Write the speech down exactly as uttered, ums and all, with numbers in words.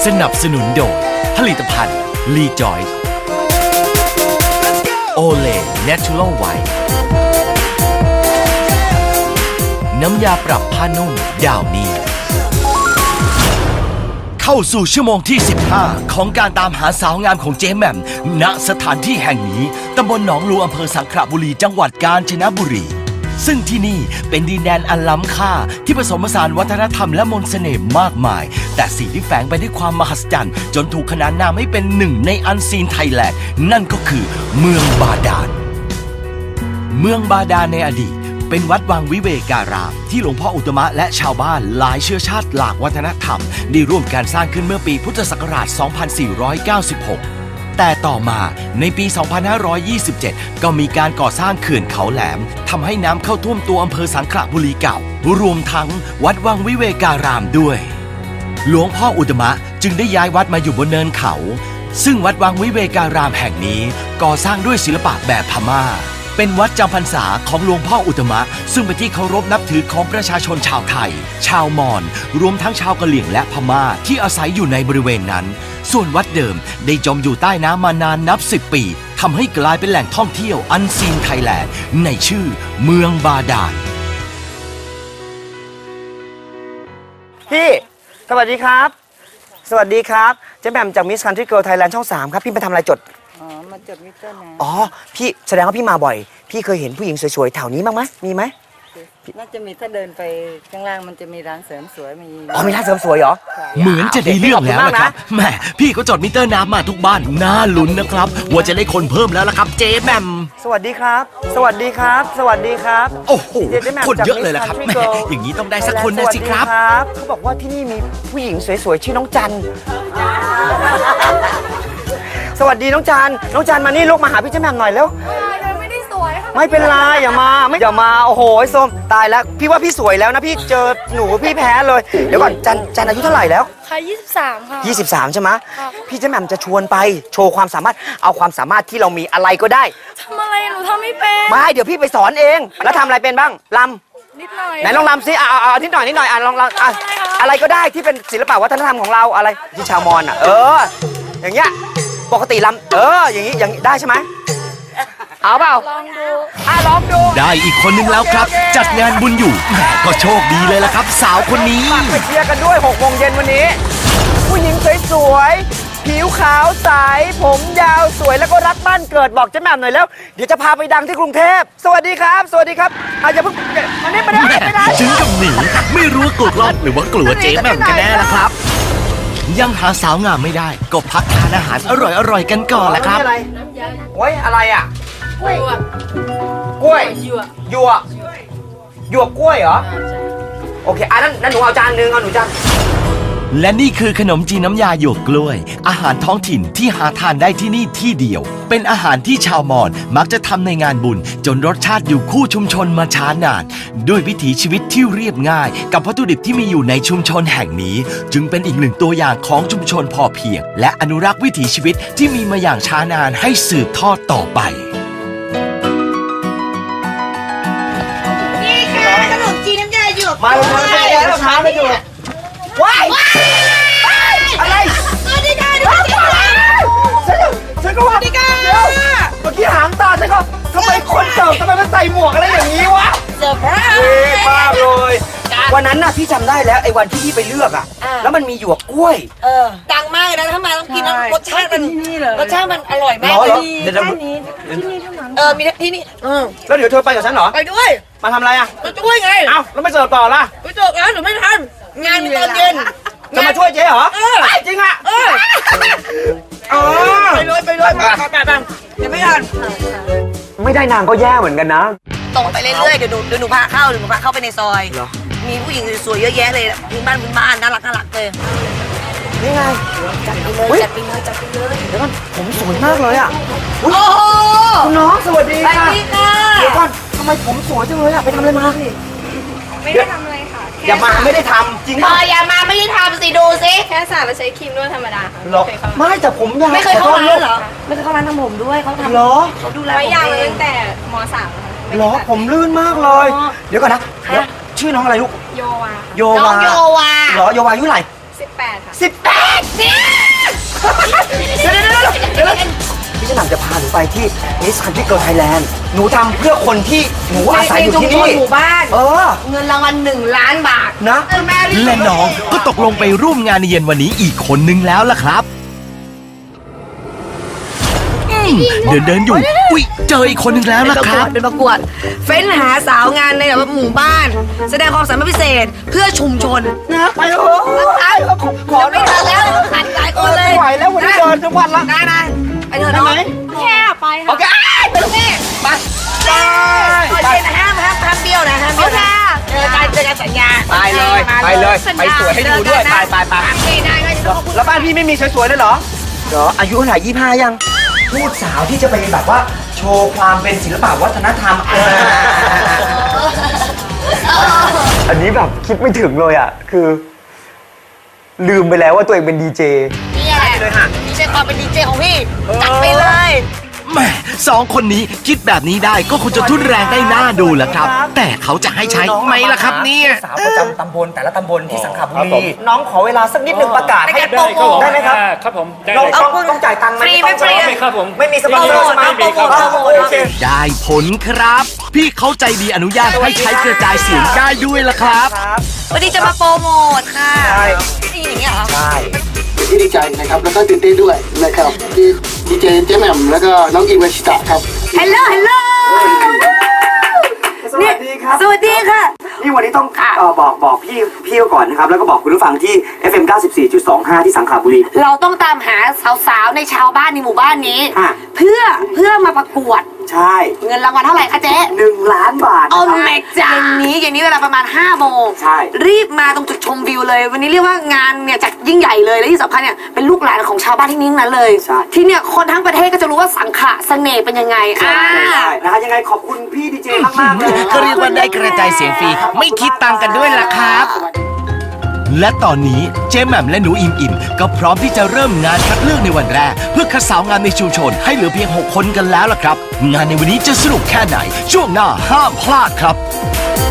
สนับสนุนโดยผลิตภัณฑ์ลีจอยโอเลเนเชอรัลไวท์น้ำยาปรับผ้านุ่มดาวนี้เข้าสู่ชั่วโมงที่สิบห้าของการตามหาสาวงามของเจ๊แหม่มณสถานที่แห่งนี้ตำบลหนองลูอำเภอสังขละบุรีจังหวัดกาญจนบุรีซึ่งที่นี่เป็นดินแดนอันล้ำค่าที่ผสมผสานวัฒนธรรมและมนต์เสน่ห์มากมายแต่สิ่งที่แฝงไปด้วยความมหัศจรรย์จนถูกขนานนามให้เป็นหนึ่งในอันซีนไทยแลนด์นั่นก็คือเมืองบาดาลเมืองบาดาลในอดีตเป็นวัดวังวิเวการามที่หลวงพ่ออุตมะและชาวบ้านหลายเชื้อชาติหลากวัฒนธรรมได้ร่วมการสร้างขึ้นเมื่อปีพุทธศักราช สองพันสี่ร้อยเก้าสิบหก แต่ต่อมาในปี สองพันห้าร้อยยี่สิบเจ็ด ก็มีการก่อสร้างเขื่อนเขาแหลมทำให้น้ำเข้าท่วมตัวอำเภอสังขละบุรีเก่ารวมทั้งวัดวังวิเวการามด้วยหลวงพ่ออุตมะจึงได้ย้ายวัดมาอยู่บนเนินเขาซึ่งวัดวังวิเวการามแห่งนี้ก่อสร้างด้วยศิลปะแบบพม่าเป็นวัดจำพรรษาของหลวงพ่ออุตมะซึ่งเป็นที่เคารพนับถือของประชาชนชาวไทยชาวมอญรวมทั้งชาวกะเหรี่ยงและพม่าที่อาศัยอยู่ในบริเวณนั้นส่วนวัดเดิมได้จมอยู่ใต้น้ำมานานนับสิบปีทำให้กลายเป็นแหล่งท่องเที่ยวอันซีนไทยแลนด์ในชื่อเมืองบาดาลพี่สวัสดีครับสวัสดีครับเจ๊แหม่มจากมิสคันทรีเกิร์ลไทยแลนด์ช่องสามครับพี่มาทำอะไรจดอ๋อมาจดมิเตอร์นะอ๋อพี่แสดงว่าพี่มาบ่อยพี่เคยเห็นผู้หญิงสวยๆแถวนี้บ้างไหมมีไหมน่าจะมีถ้าเดินไปข้างล่างมันจะมีร้านเสริมสวยมีอ๋อมีร้านเสริมสวยเหรอเหมือนจะได้เรื่องแล้วนะครับแหมพี่ก็จดมิเตอร์น้ำมาทุกบ้านน่าลุ้นนะครับว่าจะได้คนเพิ่มแล้วล่ะครับเจ๊แหม่มสวัสดีครับสวัสดีครับสวัสดีครับโอ้โหคนเยอะเลยล่ะครับแหมอย่างนี้ต้องได้สักคนนะสิครับเขาบอกว่าที่นี่มีผู้หญิงสวยๆชื่อน้องจันสวัสดีน้องจันน้องจันมานี่ลูกมาหาพี่เจ๊แหม่มหน่อยเร็วไม่ได้สวยค่ะไม่เป็นไรอย่ามาไม่อย่ามาโอ้โหส้มตายแล้วพี่ว่าพี่สวยแล้วนะพี่เจอหนูพี่แพ้เลยเดี๋ยวก่อนจันจันอายุเท่าไหร่แล้วค่ะยี่สิบสามค่ะยี่สิบสามใช่ไหมพี่เจ๊แหม่มจะชวนไปโชว์ความสามารถเอาความสามารถที่เรามีอะไรก็ได้ทำอะไรหนูทำไม่เป็นไม่เดี๋ยวพี่ไปสอนเองแล้วทำอะไรเป็นบ้างลำนิดหน่อยไหนลองลำซิอ่าอ่านิดหน่อยนิดหน่อยอ่ะลองลองอ่ะอะไรก็ได้ที่เป็นศิลปะวัฒนธรรมของเราอะไรที่ชาวมอญอ่ะเอออย่างเงี้ยปกติลำเอออย่างนี้อย่างได้ใช่ไหมเอาเปล่าลองดูอ่ะลองดูได้อีกคนนึงแล้วครับจัดงานบุญอยู่แหมก็โชคดีเลยล่ะครับสาวคนนี้ฝากไปเชียร์กันด้วยหกโมงเย็นวันนี้ผู้หญิงสวยๆผิวขาวใสผมยาวสวยแล้วก็รักบ้านเกิดบอกเจ๊แหม่มหน่อยแล้วเดี๋ยวจะพาไปดังที่กรุงเทพสวัสดีครับสวัสดีครับอาจจะเพิ่งอันนี้ไม่ได้ไม่ได้ถึงกับหนีไม่รู้ว่ากลัวกล้องหรือว่ากลัวเจ๊แหม่มกันแน่ล่ะครับยังหาสาวงามไม่ได้ก็พักทานอาหารอร่อยๆกันก่อนแหละครับโอ้ยอะไรอ่ะกล้วยกล้วยหยวกหยวกหยวกกล้วยเหรอโอเคอ่ะนั่นนั่นหนูเอาจานนึงเอาหนูจานและนี่คือขนมจีนน้ำยาหยวกกล้วยอาหารท้องถิ่นที่หาทานได้ที่นี่ที่เดียวเป็นอาหารที่ชาวมอญมักจะทำในงานบุญจนรสชาติอยู่คู่ชุมชนมาช้านานด้วยวิถีชีวิตที่เรียบง่ายกับวัตถุดิบที่มีอยู่ในชุมชนแห่งนี้จึงเป็นอีกหนึ่งตัวอย่างของชุมชนพอเพียงและอนุรักษ์วิถีชีวิตที่มีมาอย่างช้านานให้สืบทอดต่อไปนี่ค่ะขนมจีนน้ำยาหยวกมาเลยมาเลยแล้วช้าไม่อยู่ว้ายอะไรสวัสดีค่ะสวัสดีค่ะฉันก็ว่าเดี๋ยวเมื่อกี้หางตาฉันก็ทำไมคนเสิร์ฟทำไมมันใส่หมวกอะไรอย่างนี้วะเซอร์ไพรส์เฮ้ยมากเลยวันนั้นน่ะพี่จำได้แล้วไอ้วันที่พี่ไปเลือกอ่ะแล้วมันมีหยวกกล้วยเออดังมากเลยนะถ้ามาต้องกินรสชาติมันรสชาติมันอร่อยมากเลยที่นี่ที่นี่เท่านั้นเออมีที่นี่แล้วเดี๋ยวเธอไปกับฉันเหรอไปด้วยมาทำอะไรอ่ะมาช่วยไงเอ้าแล้วไม่เสิร์ฟต่อล่ะไปเสิร์ฟแล้วหนูไม่ทำงานมีตอนเย็นจะมาช่วยเจ๊เหรอจริงอ่ะไปเลยไปเลยมาไปไปยังไม่ทันไม่ได้นางก็แย่เหมือนกันนะตรงไปเรื่อยๆเดี๋ยวหนูเดี๋ยวหนูพาเข้าเดี๋ยวหนูพาเข้าไปในซอยมีผู้หญิงสวยๆเยอะแยะเลยพื้นบ้านพื้นบ้านน่ารักน่ารักเลยนี่ไงจัดไปเลยจัดไปเลยจัดไปเลยเดี๋ยวก่อนผมสวยมากเลยอ่ะโอ้โหคุณน้องสวัสดีค่ะเดี๋ยวก่อนทำไมผมสวยจังเลยอ่ะไปทำอะไรมาไม่ได้ทำอะไรค่ะอย่ามาไม่ได้ทำจริงป่ะอย่ามาไม่ได้ทำสิดูสิแค่สระแล้วใช้ครีมนวดธรรมดาค่ะไม่แต่ผมยาวไม่เคยเข้าร้านเหรอไม่เคยเข้าร้านทำผมด้วยเขาทำเหรอเขาดูแลผมยาวตั้งแต่ม.สามเหรอผมลื่นมากเลยเดี๋ยวก่อนนะชื่อน้องอะไรลูกโยวาโยวาโยวาเหรอโยวาอายุเท่าไหร่สิบแปดค่ะสิบแปดเนี่ยเดี๋ยวเดี๋ยวเดี๋ยวเดี๋ยวพี่เจ๊แหม่มจะพาหนูไปที่ Miss Country Girl Thailand หนูทำเพื่อคนที่หนูอาศัยอยู่ที่นี่หมู่บ้านเออเงินรางวัลหนึ่งล้านบาทนะและน้องก็ตกลงไปร่วมงานในเย็นวันนี้อีกคนนึงแล้วล่ะครับอืมเดินเดินอยู่อุ๊ยเจออีกคนนึงแล้วล่ะครับเป็นประกวด เฟ้นหาสาวงานในแบบหมู่บ้าน แสดงความสามารถพิเศษเพื่อชุมชนนะไปเถอะขอไม่ทันแล้วขัดหลายคนเลยไม่ไหวแล้ววันนี้เดินทั้งวันละได้ไหมไปเถอะน้องแค่ไปโอค่ะเคไปลูกพี่ไปไปไปนะห้ามห้ามห้ามเบี้ยวนะห้ามเบี้ยวนะเจอกันเจอกันสัญญาไปเลยไปเลยไปสวยให้ดูด้วยไปไปไปไม่ได้ไม่ได้แล้วบ้านพี่ไม่มีสวยๆเลยเหรอเหรออายุเท่าไหร่ยี่ห้ายังพูดสาวที่จะไปแบบว่าโชว์ความเป็นศิลปะวัฒนธรรมอันนี้แบบคิดไม่ถึงเลยอ่ะคือ ลืมไปแล้วว่าตัวเองเป็นดีเจนี่แหละเลยค่ะดีเจความเป็นดีเจของพี่จัดไปเลยแหม่สองคนนี้คิดแบบนี้ได้ก็คงจะทุนแรงได้น่าดูแหละครับ แต่เขาจะให้ใช้ไหมล่ะครับเนี่ยสาวประจำตำบลแต่ละตำบลที่สังขบุรีน้องขอเวลาสักนิดหนึ่งประกาศให้ได้ครับผมได้ไหมครับครับผมได้น้องเลยต้คอรังบต้องจ่ายตังค์ไหมฟรีไม่ฟรีไม่ครับผมไม่มีสปอนเซอร์ใช่ไหมไม่มีครับโอเคได้ผลครับ พี่เขาใจดีอนุญาตให้ใช้กระจายเสียงได้ด้วยล่ะครับครับวันนี้จะมาโปรโมทค่ะใช่นี่อย่างเงี้ยเหรอใช่เป็นที่ดีใจนะครับแล้วก็ตื่นเต้นด้วยนะครับที่ดีเจเจแหม่มแล้วก็น้องอิงวัชิตะครับฮัลโหลฮัลโหลสวัสดีครับสวัสดีค่ะนี่วันนี้ต้องเอ่อบอกบอกพี่พี่ก่อนนะครับแล้วก็บอกคุณผู้ฟังที่ เอฟ เอ็ม เก้าสิบสี่จุดสองห้า ที่สังขบุรีเราต้องตามหาสาวๆในชาวบ้านในหมู่บ้านนี้อ่ะเพื่อเพื่อมาประกวดใช่เงินรางวัลเท่าไหร่คะเจ๊หนึ่งล้านบาทโอ้นะครับแม่จ้าเย็นนี้เย็นนี้เวลาประมาณห้าโมงใช่รีบมาตรงจุดชมวิวเลย วันนี้เรียกว่างานเนี่ยจัดยิ่งใหญ่เลยและที่สำคัญเนี่ยเป็นลูกหลานของชาวบ้านที่นี่ทั้งนั้นเลยใช่ที่เนี่ยคนทั้งประเทศก็จะรู้ว่าสังขะเสน่ห์เป็นยังไงอ่าใช่นะคะยังไงขอบคุณพี่ดีเจมากๆเลยนะคก็บเรียกว่าได้กระจายเสียงฟรีไม่คิดตังค์กันด้วยล่ะครับ และตอนนี้เจ๊แหม่มและหนูอิมอิมก็พร้อมที่จะเริ่มงานคัดเลือกในวันแรกเพื่อคัดสาวงามในชุมชนให้เหลือเพียงหกคนกันแล้วล่ะครับ งานในวันนี้จะสนุกแค่ไหนช่วงหน้าห้ามพลาดครับ